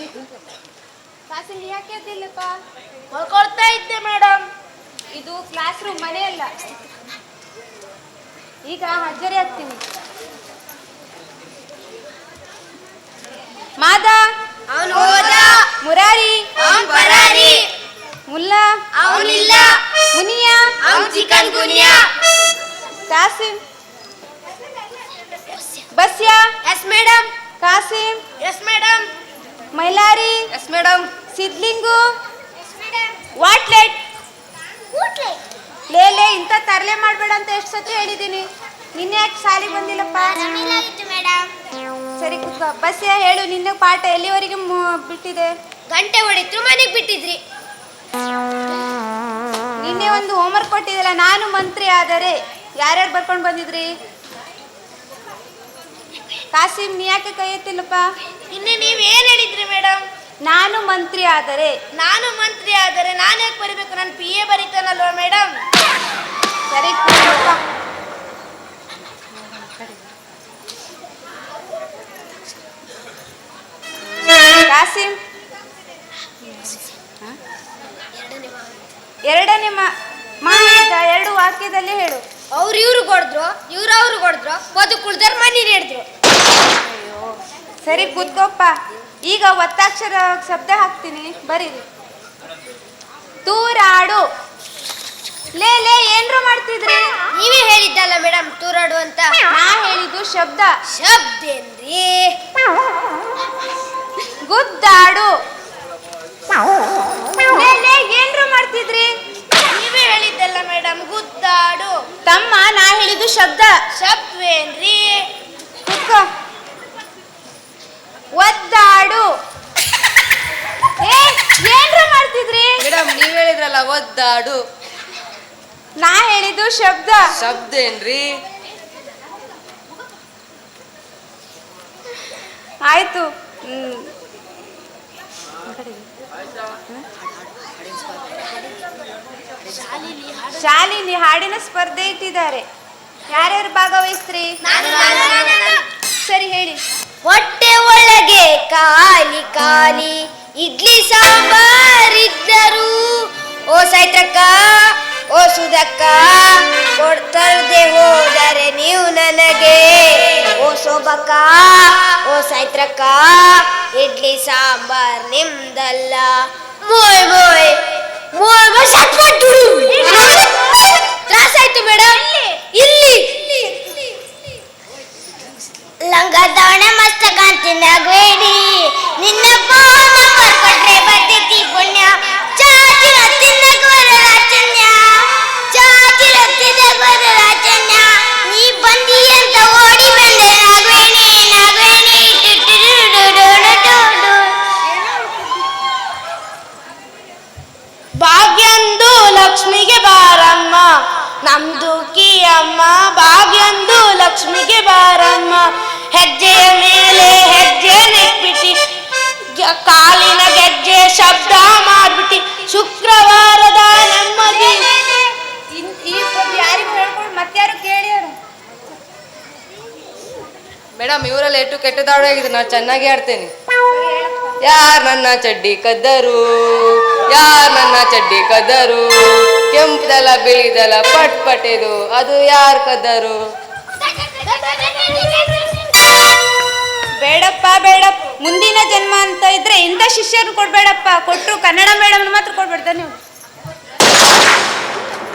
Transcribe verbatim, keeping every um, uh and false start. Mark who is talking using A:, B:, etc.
A: ಕ್ಲಾಸಲ್ಲಿ ಯಾಕೆ ಎದ್ದಿಲ್ಲಪ್ಪ?
B: ಮಲ್ಕೊಳ್ತಾ ಇದ್ದೆ ಮೇಡಮ್.
A: ಇದು ಕ್ಲಾಸ್ ರೂಮ್, ಮನೆಯಲ್ಲ. ಈಗ ಹಾಜರಿ ಆಗ್ತೀನಿ. ಮಾದ
B: ಅವನು ಹೋದ.
A: ಮುರಾರಿ
B: ಅವನ್ ಪರಾರಿ.
A: ಮುಲ್ಲಾ
B: ಅವನಿಲ್ಲ.
A: ಮುನಿಯಾ
B: ಅವನ್ chikungunya.
A: Kasim Basya
B: yes madam.
A: Kasim
B: yes madam.
A: Mailari
B: yes madam.
A: Sidlingu ವಾಟ್ಲೆಟ್. ಲೇ ಲೇ ಇಂಥ ತರಲೆ ಮಾಡಬೇಡ ಅಂತ ಎಷ್ಟು ಸತಿ ಹೇಳಿದ್ದೀನಿ. ನಿನ್ನೆ ಯಾಕೆ ಸಾಲಿಗೆ ಬಂದಿಲ್ಲಪ್ಪ? ಸರಿ ಕೂತ್ಕೋ. ಬಸ್ಯಾ ಹೇಳು, ನಿನ್ನೆ ಪಾಠ ಎಲ್ಲಿವರೆಗೆ ಬಿಟ್ಟಿದೆ?
B: ಗಂಟೆ ಹೊಡಿದ್ರು ಮನೆಗೆ ಬಿಟ್ಟಿದ್ರಿ.
A: ನಿನ್ನೆ ಒಂದು ಹೋಮ್ವರ್ಕ್ ಕೊಟ್ಟಿದ್ದಲ್ಲ, ನಾನು ಮಂತ್ರಿ ಆದರೆ ಯಾರ್ಯಾರು ಬರ್ಕೊಂಡು ಬಂದಿದ್ರಿ? ಕಾಸಿಂ ನೀ ಯಾಕೆ ಕೈ ಎತ್ತಿಲ್ಲಪ್ಪ?
B: ನಿನ್ನೆ ನೀವ್ ಏನ್ ಹೇಳಿದ್ರಿ ಮೇಡಮ್?
A: ನಾನು ಮಂತ್ರಿ ಆದರೆ.
B: ನಾನು ಮಂತ್ರಿ ಆದರೆ ನಾನು ಯಾಕೆ ಬರಿಬೇಕು? ನಾನು ಪಿ ಎ ಬರೀತಾನಲ್ವಾ ಮೇಡಮ್?
A: ಸರಿ ಕೂತ್ಕೋ. ಕಾಸಿಂ ಎರಡನೇ ಮಾಹಿತ ಎರಡು ವಾಕ್ಯದಲ್ಲಿ ಹೇಳು.
B: ಅವ್ರು ಇವ್ರು ಕೊಡಿದ್ರು, ಇವ್ರು ಅವ್ರು ಕೊಡಿದ್ರು, ಬದು ಕುಳ್ದಾರ ಮನಿ ಹಿಡಿದ್ರು.
A: ಅಯ್ಯೋ ಸರಿ ಕೂತ್ಕೋಪ್ಪ. ಈಗ ಒತ್ತಾಕ್ಷರ ಶಬ್ದ ಹಾಕ್ತೀನಿ, ಬರೀರಿ. ತೂರಾಡು. ಲೇ ಲೇ ಏನ್ರು ಮಾಡ್ತಿದ್ರಿ?
B: ನೀವೇ ಹೇಳಿದ್ದಲ್ಲ ಮೇಡಮ್ ತೂರಾಡು ಅಂತ.
A: ನಾ ಹೇಳಿದ್ದು ಶಬ್ದ.
B: ಶಬ್ದ ಏನ್ರಿ?
A: ಗುದ್ದಾಡು. ಲೇ ಲೇ ಏನ್ರು ಮಾಡ್ತಿದ್ರಿ?
B: ನೀವೇ ಹೇಳಿದ್ದಲ್ಲ ಮೇಡಮ್ ಗುದ್ದಾಡು.
A: ತಮ್ಮ ನಾ ಹೇಳಿದ್ದು ಶಬ್ದ.
B: ಶಬ್ದವೇನ್ರಿ?
A: ಕೂತ್ಕೋ. ಒದ್ದಾಡು. ಏ ಏನ್ರು ಮಾಡ್ತಿದ್ರಿ?
C: ಮೇಡಮ್ ನೀವ್ ಹೇಳಿದ್ರಲ್ಲ ಒದ್ದಾಡು.
A: ನಾ ಹೇಳಿದ್ದು ಶಬ್ದ.
C: ಶಬ್ದ ಏನ್ರಿ?
A: ಆಯ್ತು. ಹ್ಮ್ ಶಾಲೆಯಲ್ಲಿ ಹಾಡಿನ ಸ್ಪರ್ಧೆ ಇಟ್ಟಿದ್ದಾರೆ. ಯಾರ್ಯಾರು ಭಾಗವಹಿಸ್ತ್ರಿ? ಸರಿ ಹೇಳಿ.
B: ಹೊಟ್ಟೆ ಒಳಗೆ ಖಾಲಿ ಖಾಲಿ ಇಡ್ಲಿ ಸಾಂಬಾರ್ ಇದ್ದರು, ಓ ಸೈತ್ರಕ್ಕ ಓ ಸುಧಕ್ಕ ಕೊಡ್ತರ್ದೆ ಹೋದರೆ ನೀವು ನನಗೆ, ಓ ಸೋಬಕ್ಕ ಓ ಸೈತ್ರಕ್ಕ ಇಡ್ಲಿ ಸಾಂಬಾರ್ ನಿಮ್ದಲ್ಲ. ಮೋಯ್ ಮೋಯ್ ಮೋಯ್ ಮೋಯ್ ಸಟ್ಪಟ್ಟು ತ್ರಾಸಾಯ್ತು ಮೇಡಮ್. ಇಲ್ಲಿ ಲಂಗದವಣ ಮಸ್ತ ಕಾಂತಿನ ಬೇಡಿ ನಿನ್ನ ಫೋನ್ ನಂಬರ್ ಕೊಟ್ರೆ ಬರ್ತೈತಿ ಪುಣ್ಯ. ಚಾಚಿರ ತಿನ್ನಕ ವರರಾಚನ್ಯ, ಚಾಚಿರ ತಿನ್ನಕ ವರರಾಚನ್ಯ. ನೀ ಬಂದಿ ಅಂತ ಓಡಿ ಬಂದೆ ನಾಗವೇಣಿ ನಾಗವೇಣಿ. ಭಾಗ್ಯಂದು ಲಕ್ಷ್ಮಿಗೆ ಬಾರಮ್ಮ ನಮ್ದು ಕಿ ಅಮ್ಮ, ಭಾಗ್ಯಂದು ಲಕ್ಷ್ಮಿಗೆ ಬಾರಮ್ಮ. ಹೆಜ್ಜೆಯ ಮೇಲೆ ಹೆಜ್ಜೆ ನೆಟ್ಬಿಟ್ಟಿ, ಕಾಲಿನ ಗೆಜ್ಜೆ ಶಬ್ದ ಮಾಡ್ಬಿಟ್ಟಿ, ಶುಕ್ರವಾರದ ನೆಮ್ಮದಿ.
A: ಈ ಯಾರಿಗೂ ಹೇಳ್ಕೊಂಡು ಮತ್ತಾರು ಕೇಳಿ.
C: ಮೇಡಮ್ ಇವರೆಲ್ಲ ಎಷ್ಟು ಕೆಟ್ಟದಾಡಾಗಿದೆ, ನಾನು ಚೆನ್ನಾಗಿ ಆಡ್ತೇನೆ. ಯಾರ್ ನನ್ನ ಚಡ್ಡಿ ಕದ್ದರು, ಯಾರ್ ನನ್ನ ಚಡ್ಡಿ ಕದ್ದರು, ಕೆಂಪದಲ ಬಿಳಿದಲ ಪಟ್ ಪಟೆದು ಅದು ಯಾರ್ ಕದ್ದರು?
A: ಬೇಡಪ್ಪ ಬೇಡಪ್ಪ, ಮುಂದಿನ ಜನ್ಮ ಅಂತ ಇದ್ರೆ ಇಂಥ ಶಿಷ್ಯರು ಕೊಡ್ಬೇಡಪ್ಪ. ಕೊಟ್ಟರು ಕನ್ನಡ ಮೇಡಮ್ ಮಾತ್ರ ಕೊಡ್ಬೇಡ್ದ ನೀವು.